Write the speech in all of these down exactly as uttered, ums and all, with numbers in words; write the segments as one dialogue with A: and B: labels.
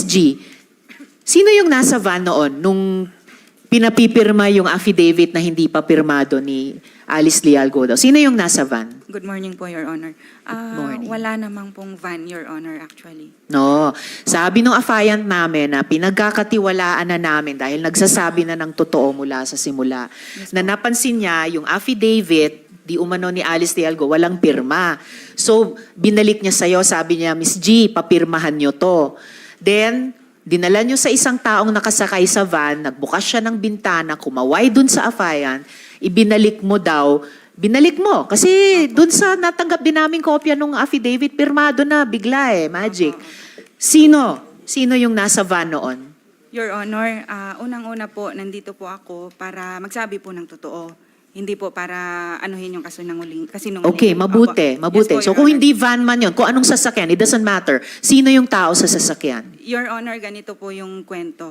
A: G, sino yung nasa van noon nung pinapipirma yung affidavit na hindi pa pirmado ni Alice Leal Godao? Sino yung nasa van?
B: Good morning po, Your Honor. Ah,
A: morning.
B: Wala namang pong van, Your Honor, actually.
A: No. Sabi nung affiant namin na pinagkakatiwalaan na namin dahil nagsasabi na ng totoo mula sa simula,
B: Yes,
A: na napansin niya yung affidavit di umano ni Alice Leal Go, walang pirma. So, binalik niya sa'yo, sabi niya, Miss G, papirmahan niyo to. Then, dinala niyo sa isang taong nakasakay sa van, nagbukas siya ng bintana, kumaway dun sa affiant, ibinalik mo daw, binalik mo. Kasi dun sa natanggap din namin kopya ng affidavit, pirmado na, bigla eh, magic. Sino? Sino yung nasa van noon?
B: Your Honor, ah, unang-una po, nandito po ako para magsabi po ng totoo. Hindi po para anuhin yung kasinungaling. kasinungaling.
A: Okay, mabuti,
B: Opo.
A: mabuti.
B: Yes po,
A: So
B: Your
A: kung
B: Honor.
A: hindi van man yun, kung anong sasakyan, it doesn't matter. Sino yung tao sa sasakyan?
B: Your Honor, ganito po yung kwento.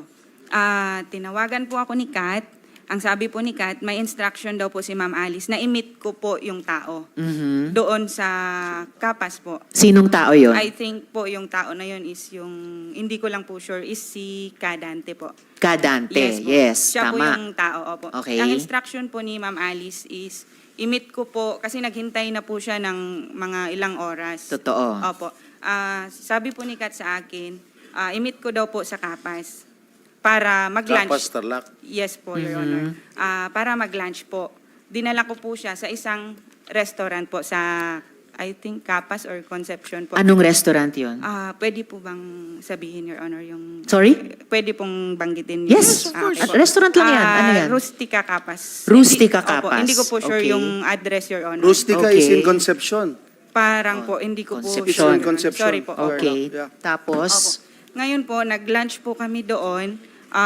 B: Ah, tinawagan po ako ni Kat. Ang sabi po ni Kat, may instruction daw po si Ma'am Alice na i-meet ko po yung tao.
A: Mhm.
B: Doon sa Kapas po.
A: Sinong tao yun?
B: I think po yung tao na yun is yung, hindi ko lang po sure, is si Kadante po.
A: Kadante,
B: po.
A: yes,
B: Siya po
A: tama.
B: yung tao, opo.
A: Okay.
B: Ang instruction po ni Ma'am Alice is, i-meet ko po, kasi naghintay na po siya ng mga ilang oras.
A: Totoo.
B: Opo. Ah, sabi po ni Kat sa akin, ah, i-meet ko daw po sa Kapas para mag-lunch.
C: Kapas, Tarlac.
B: Yes po, Your
A: Mhm.
B: Honor. Ah, para mag-lunch po. Dinala ko po siya sa isang restaurant po sa, I think, Kapas or Concepcion po.
A: Anong restaurant yun?
B: Ah, pwede po bang sabihin, Your Honor, yung...
A: Sorry?
B: Pwede pong banggitin.
A: Yes,
B: Ah, okay
A: At
B: po.
A: restaurant lang yan. Ano
B: Ah,
A: yan?
B: Rustica Kapas.
A: Rustica
B: Hindi- opo,
A: Kapas.
B: hindi ko po sure
A: Okay.
B: yung address, Your Honor.
C: Rustica
A: Okay.
C: is in Concepcion.
B: Parang po, hindi ko po
A: Concepcion.
B: sure, Your Honor.
C: Concepcion.
B: Sorry po. Opo.
A: Okay.
C: Yeah.
A: Tapos,
B: Opo. Ngayon po, nag-lunch po kami doon.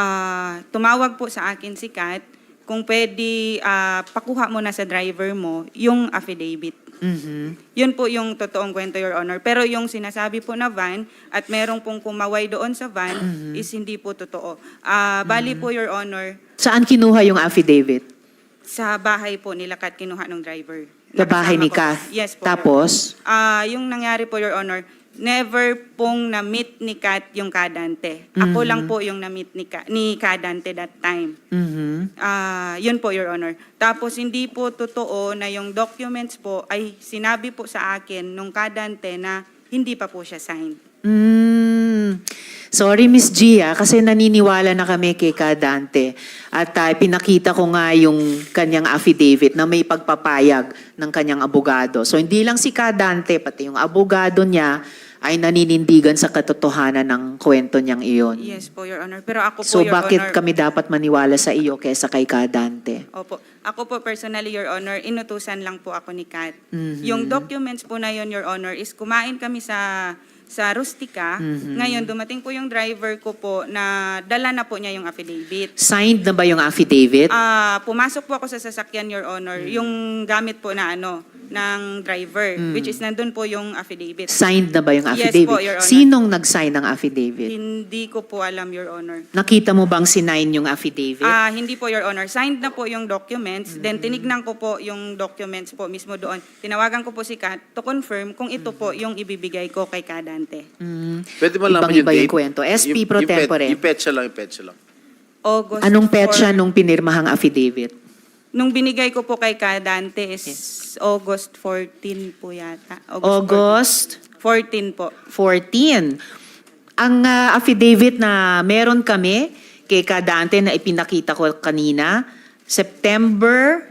B: Ah, tumawag po sa akin si Kat kung pwede ah, pakuha mo na sa driver mo yung affidavit.
A: mhm.
B: Yun po yung totoong kwento, Your Honor. Pero yung sinasabi po na van at merong pong kumaway doon sa van
A: Mm-hmm.
B: is hindi po totoo. Ah, bali po, Your Honor,
A: Saan kinuha yung affidavit?
B: sa bahay po nila Kat kinuha ng driver.
A: Sa bahay ni
B: Nakasama ko.
A: Kath?
B: Yes po. Your
A: Tapos?
B: Ah, yung nangyari po, Your Honor, never pong na-meet ni Kat yung Kadante. Ako
A: Mhm.
B: lang po yung na-meet ni, Ka- ni Kadante that time.
A: Mhm.
B: Ah, yun po, Your Honor. Tapos hindi po totoo na yung documents po ay sinabi po sa akin nung Kadante na hindi pa po siya signed.
A: Mm. Sorry, Miss Gia, kasi naniniwala na kami kay Kadante. At uh, pinakita ko nga yung kanyang affidavit na may pagpapayag ng kanyang abogado. So hindi lang si Kadante, pati yung abogado niya ay naninindigan sa katotohanan ng kwento niyang iyon.
B: Yes po, Your Honor. Pero ako po,
A: So
B: Your
A: bakit
B: Honor...
A: kami dapat maniwala sa iyo kaysa kay Kadante?
B: Opo. Ako po personally, Your Honor, inutusan lang po ako ni Kat.
A: Mhm.
B: Yung documents po na yun, Your Honor, is kumain kami sa sa Rustica.
A: Mhm.
B: Ngayon, dumating po yung driver ko po na dala na po niya yung affidavit.
A: Signed na ba yung affidavit?
B: Ah, pumasok po ako sa sasakyan, Your Honor, yung gamit po na ano, ng driver, which is nandun po yung affidavit.
A: Signed na ba yung
B: Yes
A: affidavit?
B: po, Your Honor.
A: Sinong nag-sign ng affidavit?
B: Hindi ko po alam, Your Honor.
A: Nakita mo bang sinign yung affidavit?
B: Ah, hindi po, Your Honor. Signed na po yung documents. Then tinignan ko po yung documents po mismo doon. Tinawagan ko po si Kat to confirm kung ito po yung ibibigay ko kay Kadante.
A: Mm.
C: Pwede mo lang
A: Ibang-iba yung
C: date?
A: kwento. S P pro
C: Yung- yung pet-
A: tempore.
C: Yung petsa lang, yung petsa lang.
B: August
A: Anong petsa
B: four-
A: nung pinirmahang affidavit?
B: Nung binigay ko po kay Kadante is August fourteen po yata.
A: August
B: fourteen po.
A: fourteen. Ang ah, affidavit na meron kami kay Kadante na ipinakita ko kanina, September...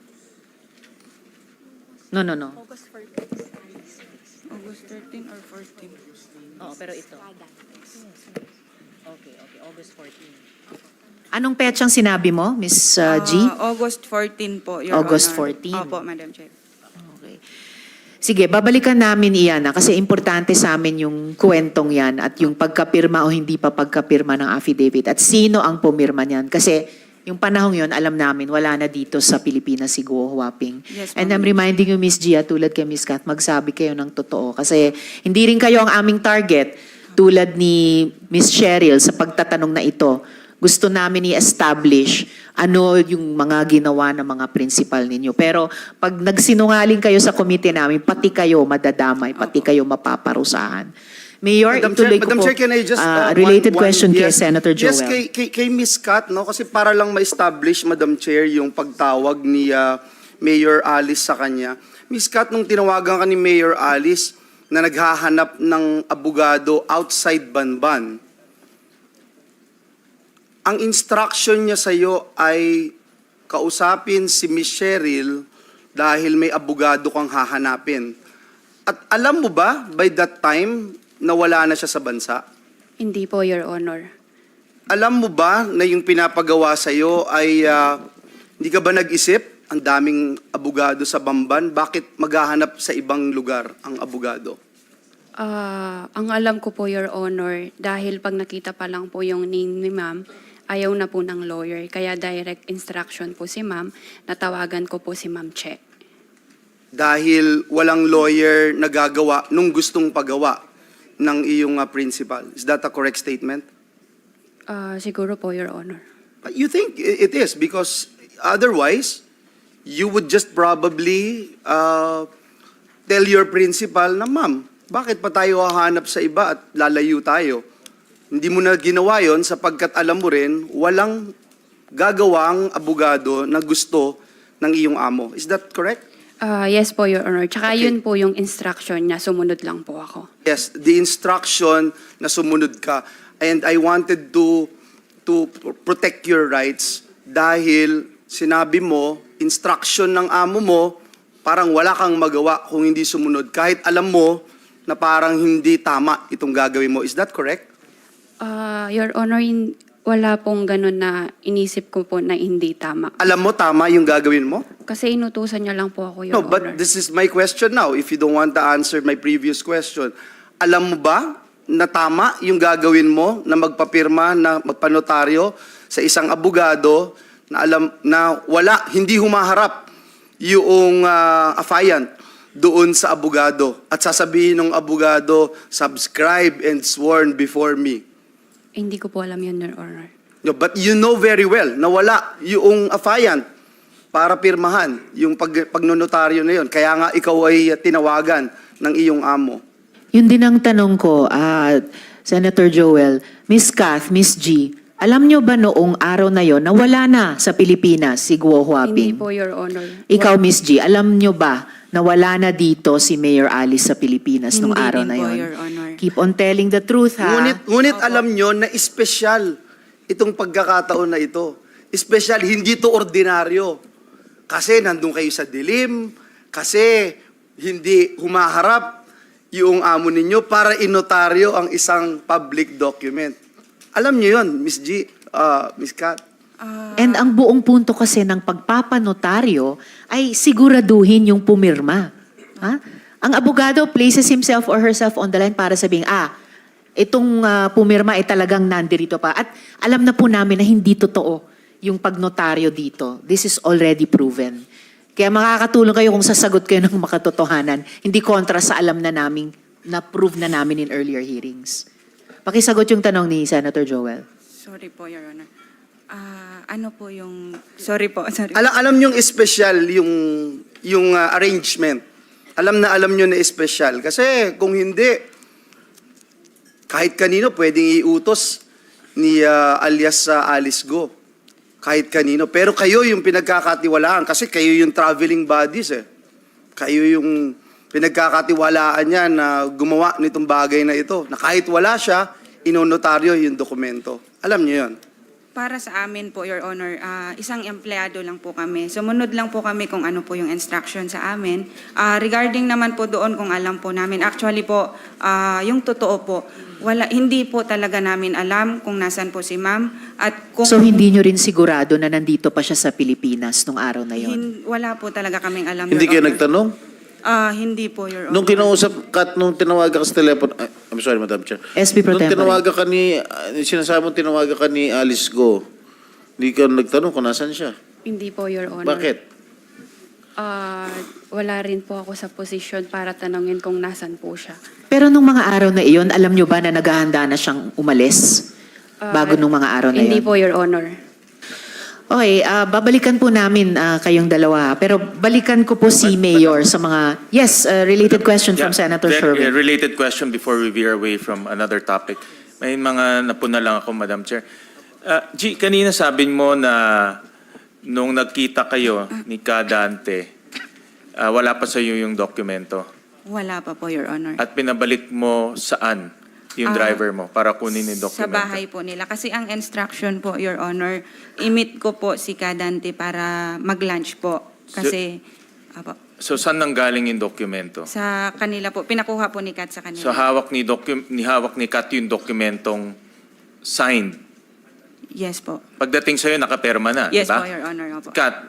A: No, no, no.
B: August thirteen or fourteen?
A: Oo, pero ito. Okay, okay. August fourteen. Anong petsang sinabi mo, Miss uh, G?
B: Ah, August fourteen po, Your
A: August
B: Honor.
A: fourteen.
B: Opo, Madam Chair.
A: Okay. Sige, babalikan namin iyan na kasi importante sa amin yung kwentong yan at yung pagkapirma o hindi pa pagkapirma ng affidavit at sino ang pumirma niyan. Kasi yung panahong yon alam namin, wala na dito sa Pilipinas si Guo Huaping.
B: Yes,
A: And
B: ma'am.
A: I'm reminding you, Miss Gia, tulad kay Miss Kat, magsabi kayo ng totoo. Kasi hindi rin kayo ang aming target tulad ni Miss Cheryl sa pagtatanong na ito. Gusto namin i-establish ano yung mga ginawa ng mga principal ninyo. Pero pag nagsinungaling kayo sa komite namin, pati kayo madadamay, pati
B: Opo.
A: kayo mapaparusahan. Mayor,
C: Madam
A: ituloy
C: Chair,
A: ko
C: Madam
A: po.
C: Chair, can I just...
A: ah,
C: uh,
A: related
C: one- one-
A: question kay
C: yes,
A: Senator Joel.
C: Yes, kay, kay, kay Miz Kat, no? Kasi para lang ma-establish, Madam Chair, yung pagtawag ni ah, Mayor Alice sa kanya. Miz Kat, nung tinawagan ka ni Mayor Alice na naghahanap ng abogado outside Banban, ang instruction niya sa'yo ay kausapin si Miz Cheryl dahil may abogado kang hahanapin. At alam mo ba, by that time, nawala na siya sa bansa?
D: Hindi po, Your Honor.
C: Alam mo ba na yung pinapagawa sa'yo ay ah, hindi ka ba nag-isip? Ang daming abogado sa Bamban, bakit maghahanap sa ibang lugar ang abogado?
D: Ah, ang alam ko po, Your Honor, dahil pag nakita pa lang po yung name ni ma'am, ayaw na po ng lawyer. Kaya direct instruction po si ma'am, natawagan ko po si Ma'am Che.
C: Dahil walang lawyer na gagawa nung gustong pagawa ng iyong ah, principal. Is that a correct statement?
D: Ah, siguro po, Your Honor.
C: You think i- it is because otherwise, you would just probably uh, tell your principal na, ma'am, bakit pa tayo hahanap sa iba at lalayo tayo? Hindi mo na ginawa yon sapagkat alam mo rin, walang gagawang abogado na gusto ng iyong amo. Is that correct?
D: Ah, yes po, Your Honor. Tsaka
C: Okay.
D: yun po yung instruction niya, sumunod lang po ako.
C: Yes, the instruction na sumunod ka. And I wanted to to protect your rights dahil sinabi mo, instruction ng amo mo, parang wala kang magawa kung hindi sumunod. Kahit alam mo na parang hindi tama itong gagawin mo. Is that correct?
D: Ah, Your Honor, in- wala pong ganun na inisip ko po na hindi tama.
C: Alam mo tama yung gagawin mo?
D: Kasi inutusan niya lang po ako, Your
C: No,
D: Honor.
C: but this is my question now. If you don't want to answer my previous question. Alam mo ba na tama yung gagawin mo na magpapirma, na magpanotaryo sa isang abogado na alam na wala, hindi humaharap yung uh, affiant doon sa abogado at sasabihin ng abogado, subscribe and sworn before me.
D: Hindi ko po alam yun, Your Honor.
C: No, but you know very well na wala yung affiant para pirmahan yung pag, pagnonotaryo na yun. Kaya nga ikaw ay tinawagan ng iyong amo.
A: Yun din ang tanong ko, ah, Senator Joel, Miss Kath, Miss G, alam nyo ba noong araw na yon na wala na sa Pilipinas si Guo
D: Hindi
A: Huaping?
D: po, Your Honor.
A: Ikaw, Miss G, alam nyo ba na wala na dito si Mayor Alice sa Pilipinas nung
B: Hindi
A: araw
B: din
A: na
B: po,
A: yon?
B: Your Honor.
A: Keep on telling the truth, ha?
C: Ngunit, ngunit alam nyo na espesyal itong pagkakataon na ito. Espesyal, hindi to ordinaryo. Kasi nandun kayo sa dilim, kasi hindi humaharap yung amo ninyo para inotaryo ang isang public document. Alam nyo yun, Miss G, uh, Miss Kat.
A: And ang buong punto kasi ng pagpapanotaryo ay siguraduhin yung pumirma. Ha? Ang abogado places himself or herself on the line para sabihin, ah, itong ah, pumirma ay talagang nandirito pa. At alam na po namin na hindi totoo yung pagnotaryo dito. This is already proven. Kaya makakatulong kayo kung sasagot kayo ng makatotohanan, hindi kontra sa alam na namin, na-prove na namin in earlier hearings. Pakisagot yung tanong ni Senator Joel.
B: Sorry po, Your Honor. Ah, ano po yung... Sorry po, sorry.
C: Alam, alam nyo special yung, yung uh, arrangement. Alam na alam nyo na special. Kasi kung hindi, kahit kanino pwedeng iutos ni uh, alias uh, Alice Go. Kahit kanino. Pero kayo yung pinagkakatiwalaan kasi kayo yung traveling bodies eh. Kayo yung pinagkakatiwalaan niya na gumawa nitong bagay na ito. Na kahit wala siya, inonotaryo yung dokumento. Alam niyo yun.
B: Para sa amin po, Your Honor, ah, isang empleyado lang po kami. Sumunod lang po kami kung ano po yung instruction sa amin. Ah, regarding naman po doon kung alam po namin, actually po, ah, yung totoo po, wala, hindi po talaga namin alam kung nasan po si ma'am. At kung
A: So hindi nyo rin sigurado na nandito pa siya sa Pilipinas nung araw na yon?
B: hin- wala po talaga kaming alam,
E: Hindi
B: Your
E: kayo
B: Honor.
E: nagtanong?
B: Ah, hindi po, Your Honor.
E: Nung kinausap ka, at nung tinawagan ka sa telepono, ay, I'm sorry, Madam Chair.
A: S P Pro
E: Nung
A: Tempore.
E: tinawagan ka ni, uh, sinasabi mo tinawagan ka ni Alice Go, hindi ka nagtanong kung nasan siya.
D: Hindi po, Your Honor.
E: Bakit?
D: Ah, wala rin po ako sa posisyon para tanungin kung nasan po siya.
A: Pero nung mga araw na iyon, alam nyo ba na naghahanda na siyang umalis?
D: Ah,
A: Bago nung mga araw na
D: Hindi
A: iyon?
D: po, Your Honor.
A: Okay, ah, babalikan po namin ah, kayong dalawa. Pero balikan ko po si Mayor sa mga... Yes, ah, related question from
F: Yeah,
A: Senator
F: very-
A: Sherwin.
F: uh, related question before we veer away from another topic. May mga napuna lang ako, Madam Chair. Uh, G, kanina sabi mo na nung nagkita kayo ni Kadante, uh, wala pa sa iyo yung dokumento.
B: Wala pa po, Your Honor.
F: At pinabalik mo saan yung
B: Ah,
F: driver mo para kunin yung
B: Sa
F: dokumento?
B: bahay po nila. Kasi ang instruction po, Your Honor, i-meet ko po si Kadante para mag-lunch po. Kasi, apo,
F: So saan nanggaling yung dokumento?
B: sa kanila po, pinakuha po ni Kat sa kanila.
F: So hawak ni, docu- ni hawak ni Kat yung dokumentong signed.
B: Yes po.
F: Pagdating sa'yo, nakaperma na,
B: Yes
F: di ba?
B: po, Your Honor. Opo.
F: Kat,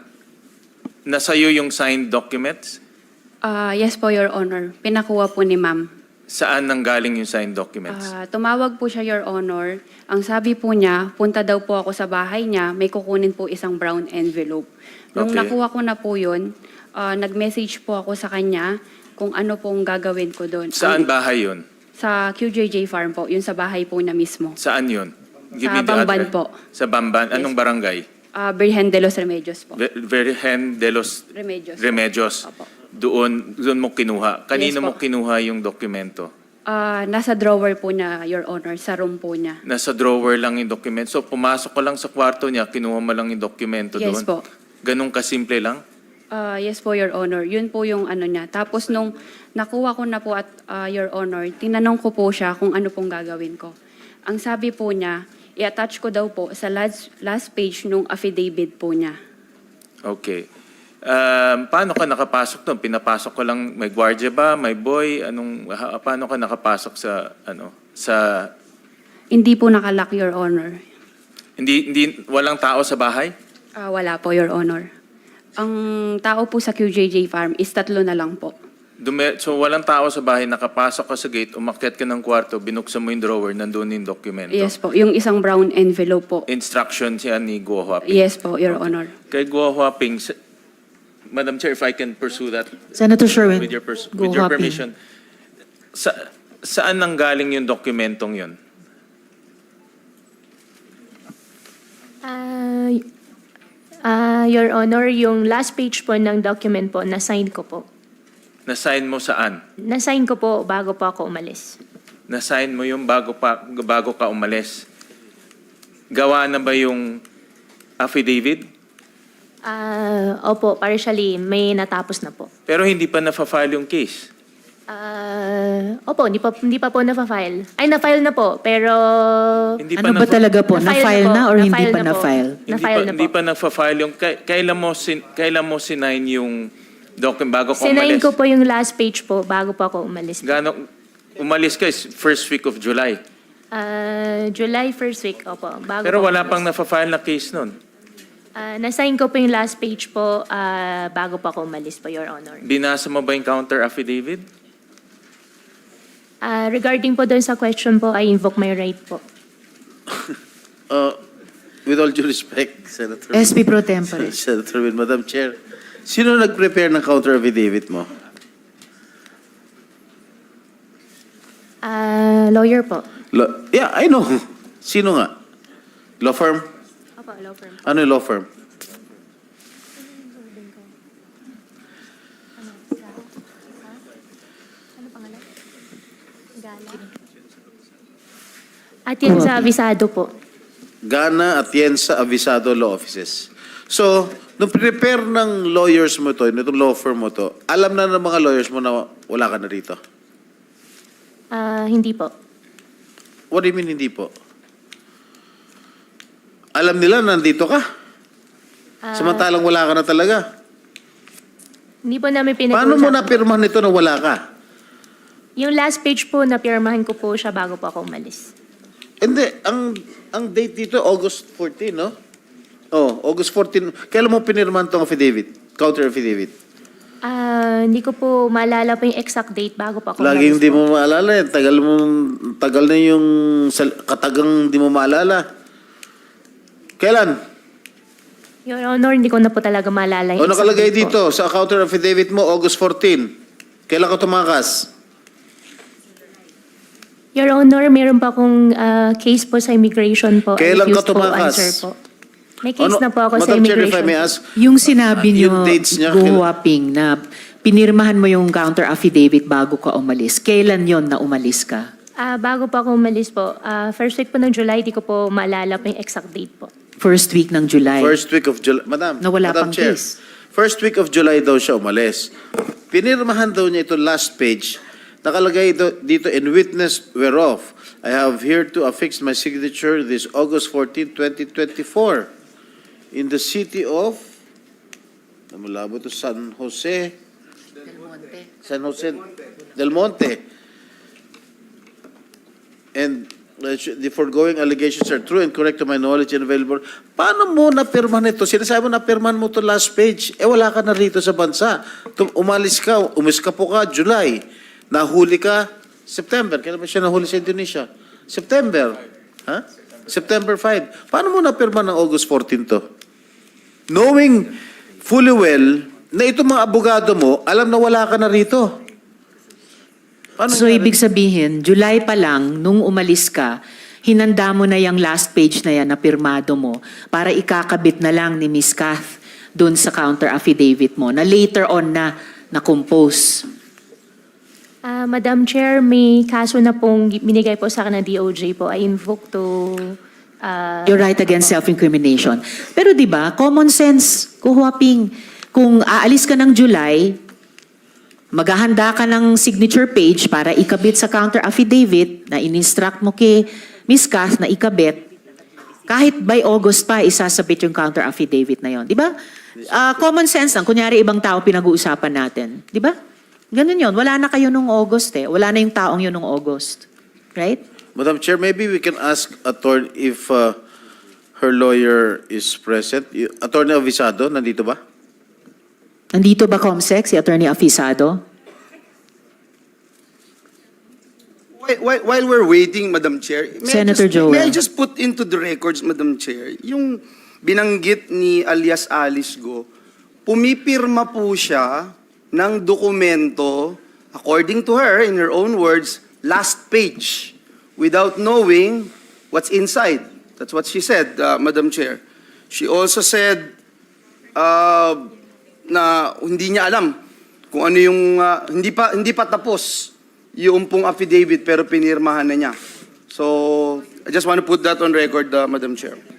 F: nasa'yo yung signed documents?
D: Ah, yes po, Your Honor. Pinakuha po ni ma'am.
F: Saan nanggaling yung signed documents?
D: Ah, tumawag po siya, Your Honor. Ang sabi po niya, punta daw po ako sa bahay niya, may kukunin po isang brown envelope. Nung
F: Okay.
D: nakuha ko na po yun, ah, nag-message po ako sa kanya kung ano pong gagawin ko doon.
F: Saan
D: Ang-
F: bahay yun?
D: Sa Q J J Farm po, yun sa bahay po na mismo.
F: Saan yun?
D: Sa
F: me the
D: Bamban
F: address.
D: po.
F: Sa Bamban? Anong
D: Yes.
F: barangay?
D: Ah, Virgen de los Remedios po.
F: Ve- Virgen de los
D: Remedios. po.
F: Remedios.
D: Opo.
F: Doon, doon mo kinuha. Kanino
D: Yes po.
F: mo kinuha yung dokumento?
D: Ah, nasa drawer po na, Your Honor, sa room po niya.
F: Nasa drawer lang yung dokumento. So pumasok ka lang sa kwarto niya, kinuha mo lang yung dokumento
D: Yes
F: doon?
D: po.
F: Ganun kasimple lang?
D: Ah, yes po, Your Honor. Yun po yung ano niya. Tapos nung nakuha ko na po at ah, Your Honor, tinanong ko po siya kung ano pong gagawin ko. Ang sabi po niya, i-attach ko daw po sa last, last page nung affidavit po niya.
F: Okay. Um, paano ka nakapasok doon? Pinapasok ko lang, may gwardiya ba? May boy? Anong, ha- paano ka nakapasok sa, ano, sa,
D: Hindi po nakalock, Your Honor.
F: hindi, hindi, walang tao sa bahay?
D: Ah, wala po, Your Honor. Ang tao po sa Q J J Farm is tatlo na lang po.
F: Dume, so walang tao sa bahay, nakapasok ka sa gate, umakyat ka ng kwarto, binuksan mo yung drawer, nandun yung dokumento.
D: Yes po, yung isang brown envelope po.
F: Instruction siya ni Guo Huaping.
D: Yes po, Your Honor.
F: Kay Guo Huaping, s- Madam Chair, if I can pursue that
A: Senator Sherwin,
F: with your, pers-
A: go
F: with your
A: Huaping.
F: permission. Sa, saan nanggaling yung dokumentong yun?
G: Ah, ah, Your Honor, yung last page po ng document po, na-sign ko po.
F: Na-sign mo saan?
G: Na-sign ko po bago po ako umalis.
F: Na-sign mo yung bago, pa, bago ka umalis. Gawa na ba yung affidavit?
G: Ah, opo, partially, may natapos na po.
F: Pero hindi pa na-file yung case.
G: Ah, opo, hindi pa, hindi pa po na-file. Ay, na-file na po, pero...
F: Hindi
A: Ano
F: pa
A: ba
F: na-
A: talaga po? Na-file na or hindi
G: Na-file
A: pa
G: na po.
A: na-file?
F: Hindi
G: Na-file
F: pa,
G: na
F: hindi
G: po.
F: pa nagfa-file yung... kay- Kailan mo, sin, kailan mo sinign yung document bago ka
G: Sinayin
F: umalis?
G: ko po yung last page po bago po ako umalis.
F: Gano, umalis ka is first week of July.
G: Ah, July first week, opo. Bago
F: Pero
G: po
F: wala
G: ako
F: pang
G: umalis.
F: na-file na case nun.
G: Ah, na-sign ko po yung last page po ah, bago po ako umalis po, Your Honor.
F: Binasa mo ba yung counter affidavit?
G: Ah, regarding po doon sa question po, I invoke my right po.
E: Uh, with all due respect, Senator.
A: S P Pro Tempore.
E: Senator Win, Madam Chair, sino nag-prepare ng counter affidavit mo?
G: Ah, lawyer po.
E: Lo- yeah, I know. Sino nga? Law firm?
G: Opo, law firm.
E: Ano yung law firm?
G: At yan sa abisado po.
E: Gana Atienza Avisado Law Offices. So, nung prepare ng lawyers mo to, nitong law firm mo to, alam na ng mga lawyers mo na wala ka na rito?
G: Ah, hindi po.
E: What do you mean hindi po? Alam nila na nandito ka?
G: Ah,
E: Samantalang wala ka na talaga.
G: Hindi po namin pinag-uusap.
E: Paano mo napirmahan nito na wala ka?
G: Yung last page po, napirmahan ko po siya bago po ako umalis.
E: Hindi, ang ang date dito, August fourteen, no? Oh, August fourteen. Kailan mo pinirmahan tong affidavit? Counter affidavit?
G: Ah, hindi ko po maalala po yung exact date bago po ako
E: Laging
G: umalis
E: hindi
G: po.
E: mo maalala eh. Tagal mo, tagal na yung sal- katagang hindi mo maalala. Kailan?
G: Your Honor, hindi ko na po talaga maalala
E: O
G: yung exact
E: nakalagay
G: date po.
E: dito sa counter affidavit mo, August fourteen. Kailan ka tumakas?
G: Your Honor, meron pa akong ah, case po sa immigration po. I
E: Kailan ka
G: refuse po
E: tumakas?
G: answer po. May case
E: Ano-
G: na po ako sa
E: Madam Chair, if I
G: immigration.
E: may ask,
A: Yung sinabi
E: Ah,
A: niyo,
E: yung dates niya,
A: Go Huaping, na pinirmahan mo yung counter affidavit bago ka umalis. Kailan yon na umalis ka?
G: Ah, bago po ako umalis po, ah, first week po ng July, di ko po maalala po yung exact date po.
A: First week ng July.
E: First week of July. Madam,
A: Na wala
E: Madam
A: pang
E: Chair,
A: case.
E: first week of July daw siya umalis. Pinirmahan daw niya ito last page. Nakalagay ito, dito, in witness whereof, I have here to affix my signature this August fourteenth, twenty twenty-four in the city of, namula to San Jose, San Jose Del Monte. And uh, the foregoing allegations are true and correct to my knowledge and available. Paano mo napirmahan ito? Sinasabi mo napirmahan mo to last page. Eh wala ka na rito sa bansa. Tum- umalis ka, umis ka po ka, July. Nahuli ka, September. Kailan ba siya nahuli sa Indonesia? September. Ha? September fifth. Paano mo napirmahan ng August fourteenth to? Knowing fully well na itong mga abogado mo, alam na wala ka na rito. Paano
A: So
E: nangyari?
A: ibig sabihin, July pa lang, nung umalis ka, hinanda mo na yung last page na yan na pirmado mo para ikakabit na lang ni Miss Kath doon sa counter affidavit mo na later on na na-compose.
G: Ah, Madam Chair, may kaso na pong binigay po sa akin ng D O J po. I invoke to... ah,
A: You're right against self-incrimination. Pero di ba, common sense, kuhuaping, kung aalis ka ng July, maghahanda ka ng signature page para ikabit sa counter affidavit na in-instruct mo kay Miss Kath na ikabit, kahit by August pa, isasabit yung counter affidavit na yon, di ba? Ah, common sense lang. Kunyari, ibang tao pinag-uusapan natin. Di ba? Ganun yon. Wala na kayo nung August eh. Wala na yung taong yun nung August. Right?
E: Madam Chair, maybe we can ask attorney if uh, her lawyer is present. Y- Attorney Avisado, nandito ba?
A: Nandito ba, Comsec, si Attorney Afisado?
C: While, while, while we're waiting, Madam Chair, may
A: Senator
C: I just, may I
A: Joel.
C: just put into the records, Madam Chair, yung binanggit ni alias Alice Go, pumipirma po siya ng dokumento, according to her, in her own words, last page, without knowing what's inside. That's what she said, uh, Madam Chair. She also said uh, na hindi niya alam kung ano yung, uh, hindi pa hindi pa tapos yung pong affidavit pero pinirmahan na niya. So, I just want to put that on record, uh, Madam Chair.